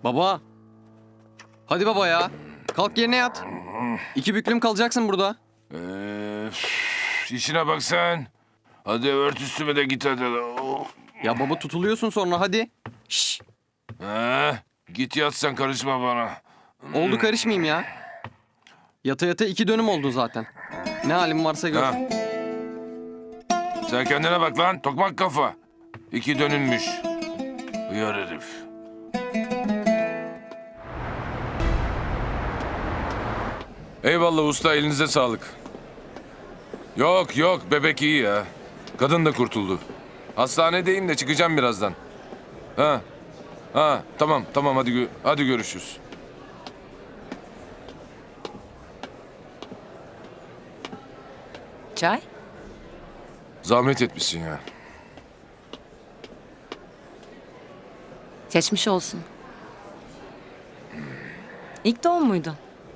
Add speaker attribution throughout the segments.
Speaker 1: Baba. Hadi baba ya. Kalk yerine yat. 2 büklüm kalacaksın burada.
Speaker 2: İşine bak sen. Hadi ört üstüme de git hadi. Oh.
Speaker 1: Ya baba tutuluyorsun sonra hadi. Şşş.
Speaker 2: Git yat sen, karışma bana.
Speaker 1: Oldu karışmayayım ya. Yata yata 2 dönüm oldu zaten. Ne halin varsa gör.
Speaker 2: Ha. Sen kendine bak lan, tokmak kafa. 2 dönülmüş. Uyar herif. Eyvallah usta, elinize sağlık. Yok yok, bebek iyi ya. Kadın da kurtuldu. Hastanedeyim de çıkacağım birazdan. Tamam hadi görüşürüz.
Speaker 3: Çay?
Speaker 2: Zahmet etmişsin ya.
Speaker 3: Geçmiş olsun. İlk doğum muydu?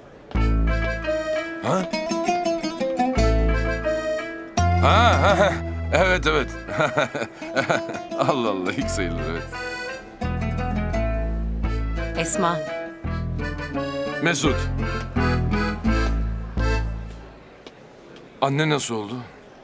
Speaker 2: Ha? Ha. Evet. Allah Allah, ilk sayılır, evet.
Speaker 3: Esma.
Speaker 2: Mesut. Anne nasıl oldu?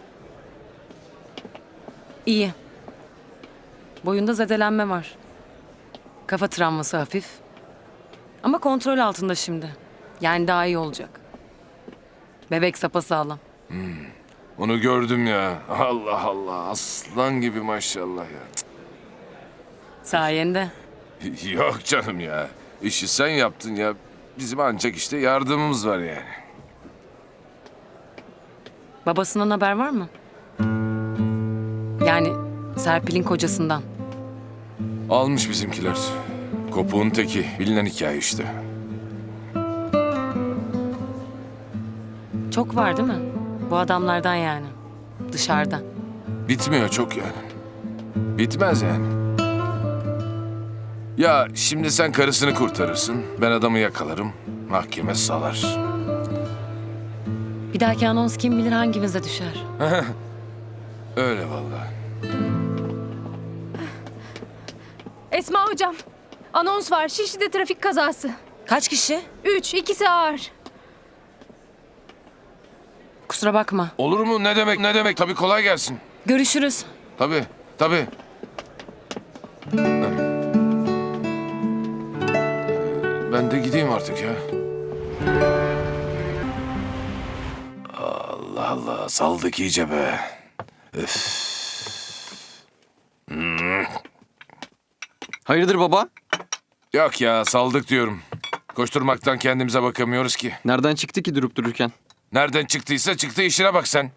Speaker 3: İyi. Boyunda zedelenme var. Kafa travması hafif. Ama kontrol altında şimdi. Yani daha iyi olacak. Bebek sapasağlam.
Speaker 2: Onu gördüm ya. Allah Allah, aslan gibi maşallah ya.
Speaker 3: Sayende.
Speaker 2: Yok canım ya. İşi sen yaptın ya. Bizim ancak işte yardımımız var yani.
Speaker 3: Babasından haber var mı? Yani Serpil'in kocasından.
Speaker 2: Almış bizimkiler. Kopuğun teki. Bilinen hikaye işte.
Speaker 3: Çok var değil mi? Bu adamlardan yani. Dışarıda.
Speaker 2: Bitmiyor çok yani. Bitmez yani. Ya şimdi sen karısını kurtarırsın. Ben adamı yakalarım. Mahkeme salar.
Speaker 3: Bir dahaki anons kim bilir hangimize düşer.
Speaker 2: Öyle vallahi.
Speaker 4: Esma hocam, anons var. Şişli'de trafik kazası.
Speaker 3: Kaç kişi?
Speaker 4: 3, ikisi ağır.
Speaker 3: Kusura bakma.
Speaker 2: Olur mu? Ne demek? Tabii, kolay gelsin.
Speaker 3: Görüşürüz.
Speaker 2: Tabii. Ben de gideyim artık ya. Allah Allah, saldık iyice be. Öf.
Speaker 1: Hayırdır baba?
Speaker 2: Yok ya, saldık diyorum. Koşturmaktan kendimize bakamıyoruz ki.
Speaker 1: Nereden çıktı ki durup dururken?
Speaker 2: Nereden çıktıysa çıktı, işine bak sen.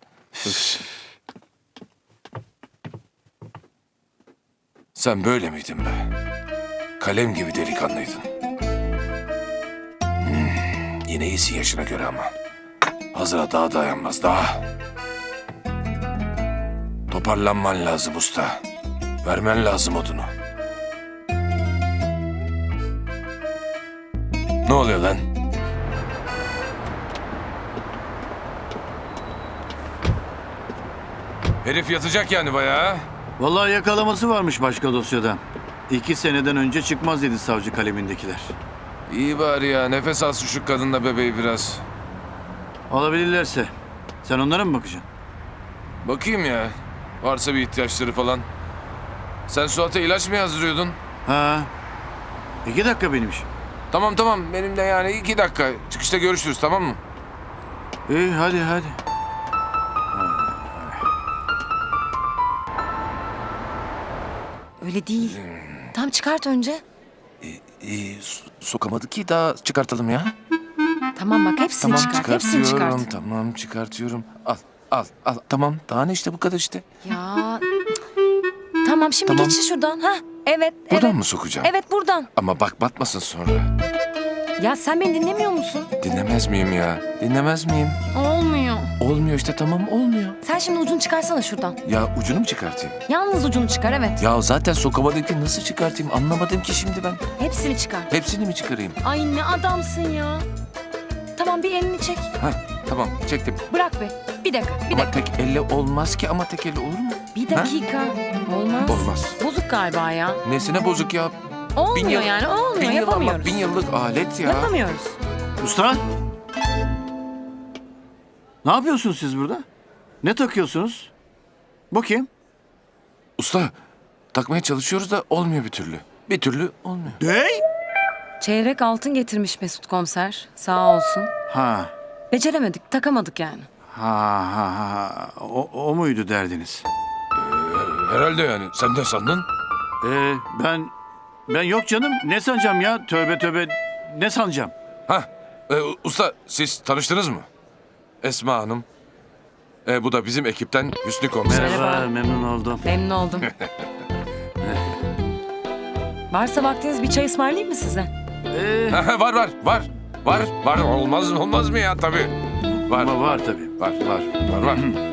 Speaker 2: Sen böyle miydin be? Kalem gibi delikanlıydın. Yine iyisin yaşına göre ama. Hazıra daha dayanmaz, daha. Toparlanman lazım usta. Vermen lazım odunu. Ne oluyor lan? Herif yatacak yani bayağı.
Speaker 5: Vallahi yakalaması varmış başka dosyada. 2 seneden önce çıkmaz dedi savcı kalemindekiler.
Speaker 2: İyi bari ya, nefes alsın şu kadınla bebeği biraz.
Speaker 5: Alabilirlerse. Sen onlara mı bakacaksın?
Speaker 2: Bakayım ya, varsa bir ihtiyaçları falan. Sen Suat'a ilaç mı yazdırıyordun?
Speaker 5: Ha. 2 dakika benim işim.
Speaker 2: Tamam, benim de yani 2 dakika. Çıkışta görüşürüz, tamam mı?
Speaker 5: İyi hadi.
Speaker 3: Öyle değil. Tam çıkart önce.
Speaker 2: Sokamadı ki, daha çıkartalım ya.
Speaker 3: Tamam bak hepsini çıkart. Hepsini çıkart.
Speaker 2: Tamam, çıkartıyorum. Al. Tamam, daha ne işte, bu kadar işte.
Speaker 3: Ya. Tamam şimdi
Speaker 2: Tamam.
Speaker 3: geç şuradan. Ha? Evet.
Speaker 2: Buradan
Speaker 3: evet.
Speaker 2: mı sokacağım?
Speaker 3: Evet buradan.
Speaker 2: Ama bak, batmasın sonra.
Speaker 3: Ya sen beni dinlemiyor musun?
Speaker 2: Dinlemez miyim ya? Dinlemez miyim?
Speaker 3: Olmuyor.
Speaker 2: Olmuyor işte, tamam, olmuyor.
Speaker 3: Sen şimdi ucunu çıkarsana şuradan.
Speaker 2: Ya ucunu mu çıkartayım?
Speaker 3: Yalnız ucunu çıkar evet.
Speaker 2: Ya zaten sokamadım ki, nasıl çıkartayım? Anlamadım ki şimdi ben.
Speaker 3: Hepsini çıkar.
Speaker 2: Hepsini mi çıkarayım?
Speaker 3: Ay ne adamsın ya. Tamam bir elini çek.
Speaker 2: Ha, tamam, çektim.
Speaker 3: Bırak be. Bir dakika.
Speaker 2: Ama tek elle olmaz ki, ama tek elle olur mu?
Speaker 3: Bir dakika. Olmaz.
Speaker 2: Olmaz.
Speaker 3: Bozuk galiba ya.
Speaker 2: Nesine bozuk ya?
Speaker 3: Olmuyor yani, olmuyor, yapamıyoruz.
Speaker 2: 1000 yıllık alet ya.
Speaker 3: Yapamıyoruz.
Speaker 5: Usta? Ne yapıyorsunuz siz burada? Ne takıyorsunuz? Bu kim?
Speaker 2: Usta takmaya çalışıyoruz da olmuyor bir türlü. Bir türlü olmuyor.
Speaker 5: Ne?
Speaker 3: Çeyrek altın getirmiş Mesut komiser. Sağ olsun.
Speaker 5: Ha.
Speaker 3: Beceremedik, takamadık yani.
Speaker 5: Ha. O muydu derdiniz?
Speaker 2: Herhalde yani. Sen de sandın.
Speaker 5: Ben yok canım. Ne sanacağım ya? Tövbe tövbe. Ne sanacağım?
Speaker 2: Hah. Usta siz tanıştınız mı? Esma Hanım. Bu da bizim ekipten Hüsnü Komiser.
Speaker 3: Merhaba.
Speaker 5: Memnun oldum.
Speaker 3: Memnun oldum. Varsa vaktiniz bir çay ısmarlayayım mı size?
Speaker 2: Var. Olmaz mı ya tabii. Var.
Speaker 5: Ama var tabii.
Speaker 2: Var.